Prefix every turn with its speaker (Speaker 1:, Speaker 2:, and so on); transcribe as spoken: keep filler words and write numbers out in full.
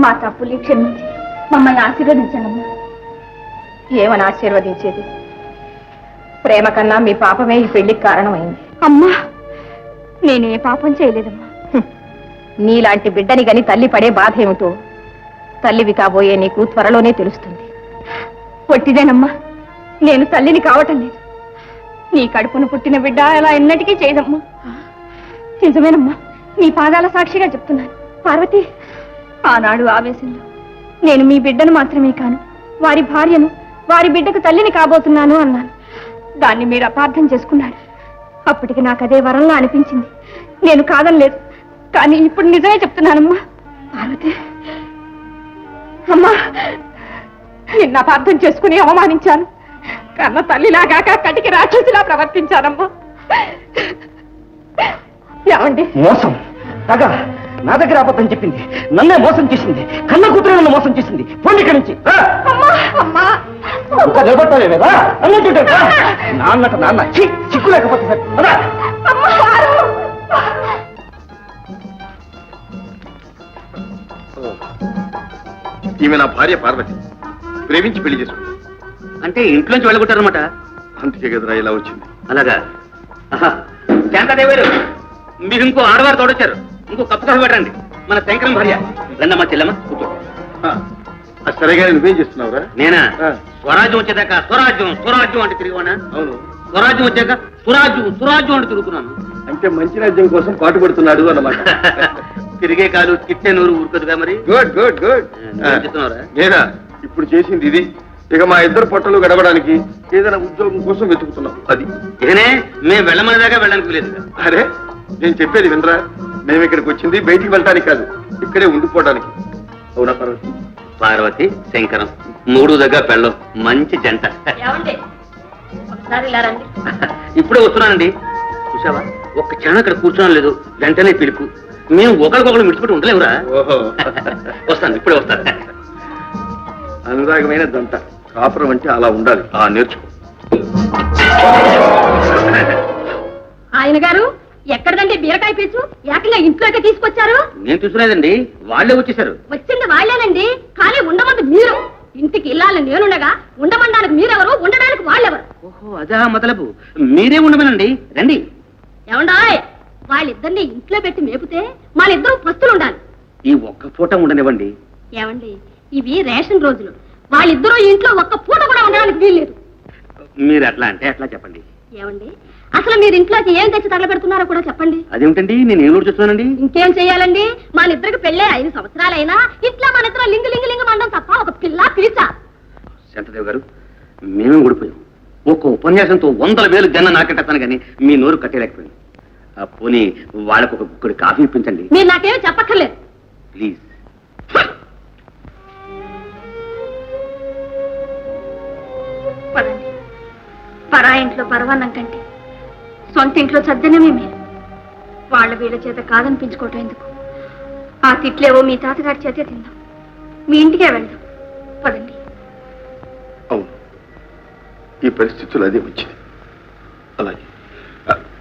Speaker 1: మా తప్పులు క్షమించి మమ్మల్ని ఆశీర్వదించండి.
Speaker 2: ఏమని ఆశీర్వదించేది? ప్రేమ కన్నా మీ పాపమే ఈ పెళ్లికి కారణమైంది.
Speaker 1: అమ్మా, నేనే పాపం చేయలేదమ్మా.
Speaker 2: నీలాంటి బిడ్డని గని తల్లి పడే బాధ ఏమిటో తల్లివి కాబోయే నీకు త్వరలోనే తెలుస్తుంది.
Speaker 1: పొట్టిదేనమ్మా, నేను తల్లిని కావటం లేదు. నీ కడుపున పుట్టిన బిడ్డ అలా ఎన్నటికీ చేయదమ్మా. నిజమేనమ్మా, నీ పాదాల సాక్షిగా చెప్తున్నాను. పార్వతి, ఆనాడు ఆవేశంలో నేను మీ బిడ్డను మాత్రమే కాను, వారి భార్యను, వారి బిడ్డకు తల్లిని కాబోతున్నాను అన్నాను. దాన్ని మీరు అపార్థం చేసుకున్నారు. అప్పటికి నాకు అదే వరంలా అనిపించింది. నేను కాదనలేదు, కానీ ఇప్పుడు నిజమే చెప్తున్నానమ్మా. పార్వతి అమ్మా, నిన్న అపార్థం చేసుకుని అవమానించాను. కన్న తల్లిలాగాక కటికి రాక్షసిలా ప్రవర్తించానమ్మా. ఏమండి?
Speaker 3: మోసం తగ నా దగ్గర అబద్ధం చెప్పింది, నన్నే మోసం చేసింది, కన్న కూతురు నన్ను మోసం చేసింది. పోండి ఇక్కడి నుంచి. ఇంకా నిలబడతావే కదా అన్నట్టుంటే నాన్నట నాన్న చిక్కు లేకపోతే సార్.
Speaker 4: ఈమె నా భార్య పార్వతి, ప్రేమించి పెళ్లి చేసుకుంది.
Speaker 3: అంటే ఇంట్లోంచి వెళ్ళగొట్టారనమాట.
Speaker 4: అందుకే కదరా ఇలా వచ్చింది.
Speaker 3: అలాగా? శాంతాదేవి గారు, మీరు ఇంకో ఆడవారు తోడొచ్చారు. ఇంకో కప్పు కాఫీ పెట్టండి. మన శంకరం భార్య. రండమ్మా చెల్లమ్మ, కూర్చో.
Speaker 4: సరేగా నువ్వేం చేస్తున్నావురా?
Speaker 3: నేనా? స్వరాజ్యం వచ్చేదాకా స్వరాజ్యం స్వరాజ్యం అంటే తిరిగివానా?
Speaker 4: అవును.
Speaker 3: స్వరాజ్యం వచ్చాక సురాజ్యం సురాజ్యం అంటే తిరుగుతున్నాను.
Speaker 4: అంటే మంచి రాజ్యం కోసం పాటుపడుతున్నాడు అన్నమాట.
Speaker 3: తిరిగే కాలు కిట్టే నూరు ఊరుకదుగా మరి.
Speaker 4: Good good good.
Speaker 3: చెప్తున్నారా?
Speaker 4: నేనా ఇప్పుడు చేసింది ఇది. ఇక మా ఇద్దరు పొట్టలు గడవడానికి ఏదైనా ఉద్యోగం కోసం వెతుకుతున్నాం. అది
Speaker 3: ఇకనే మేము వెళ్ళమనే దాకా వెళ్ళడానికి లేదు.
Speaker 4: అరే, నేను చెప్పేది వినరా? మేము ఇక్కడికి వచ్చింది బయటికి వెళ్ళటానికి కాదు, ఇక్కడే ఉండిపోవడానికి. అవునా పార్వతి?
Speaker 3: పార్వతి శంకరం మూడు దగ్గర పెళ్ళం మంచి జంట. ఇప్పుడే వస్తున్నానండి. చూసావా, ఒక్క క్షణం అక్కడ కూర్చోడం లేదు, వెంటనే పిలుపు. మేము ఒకరికొకరు మిడిచిపెట్టి ఉండలేవురా.
Speaker 4: ఓహో,
Speaker 3: వస్తాను, ఇప్పుడే వస్తాను.
Speaker 4: అనురాగమైన దంట. కాపురం అంటే అలా ఉండాలి. ఆ నేర్చుకో.
Speaker 1: ఆయన గారు ఎక్కడదండి బీరకాయ పీచు? ఏకంగా ఇంట్లోకి తీసుకొచ్చారు.
Speaker 3: నేను చూసుకునేదండి, వాళ్ళే వచ్చేసారు.
Speaker 1: వచ్చింది వాళ్ళేనండి, కానీ ఉండమంది మీరు. ఇంటికి ఇల్లాలని నేనుండగా ఉండమనడానికి మీరెవరు, ఉండడానికి వాళ్ళెవరు?
Speaker 3: ఓహో, అదా మొదలపు. మీరే ఉండమేనండి, రండి.
Speaker 1: ఏమండాయ్, వాళ్ళిద్దరిని ఇంట్లో పెట్టి మేపితే వాళ్ళిద్దరూ పస్తులు ఉండాలి.
Speaker 3: ఈ ఒక్క పూట ఉండనివ్వండి.
Speaker 1: ఏమండి, ఇవి రేషన్ రోజులు. వాళ్ళిద్దరూ ఇంట్లో ఒక్క పూట కూడా ఉండడానికి వీల్లేదు.
Speaker 3: మీరు అట్లా అంటే అట్లా చెప్పండి.
Speaker 1: ఏమండి, అసలు మీరు ఇంట్లోకి ఏం తెచ్చి తగలబెడుతున్నారో కూడా చెప్పండి.
Speaker 3: అదేమిటండి, నేను ఏం చూస్తున్నానండి?
Speaker 1: ఇంకేం చెయ్యాలండి, మన ఇద్దరికి పెళ్ళే ఐదు సంవత్సరాలైనా ఇట్లా మన ఇద్దరు లింగు లింగు లింగు మండం తప్ప ఒక పిల్ల పిలిచా.
Speaker 3: శాంతదేవి గారు, మేమే ఊడిపోయాం. ఒక్క ఉపన్యాసంతో వందల వేలు జన్న నాకెట్టాను కానీ మీ నోరు కట్టేలేకపోయింది. పోనీ వాళ్ళకు ఒక గుక్కడి కాఫీ ఇప్పించండి.
Speaker 1: మీరు నాకేమీ చెప్పక్కర్లేదు,
Speaker 3: ప్లీజ్.
Speaker 1: పదండి. పరా ఇంట్లో పరవాన్నం కంటే సొంత ఇంట్లో చద్దనమే మీరు. వాళ్ళ వీళ్ళ చేత కాదనిపించుకోవటం ఎందుకు? ఆ తిట్లేవో మీ తాతగారి చేతే తిందాం, మీ ఇంటికే వెళ్దాం. పదండి.
Speaker 4: అవును, ఈ పరిస్థితులు అదే వచ్చింది. అలాగే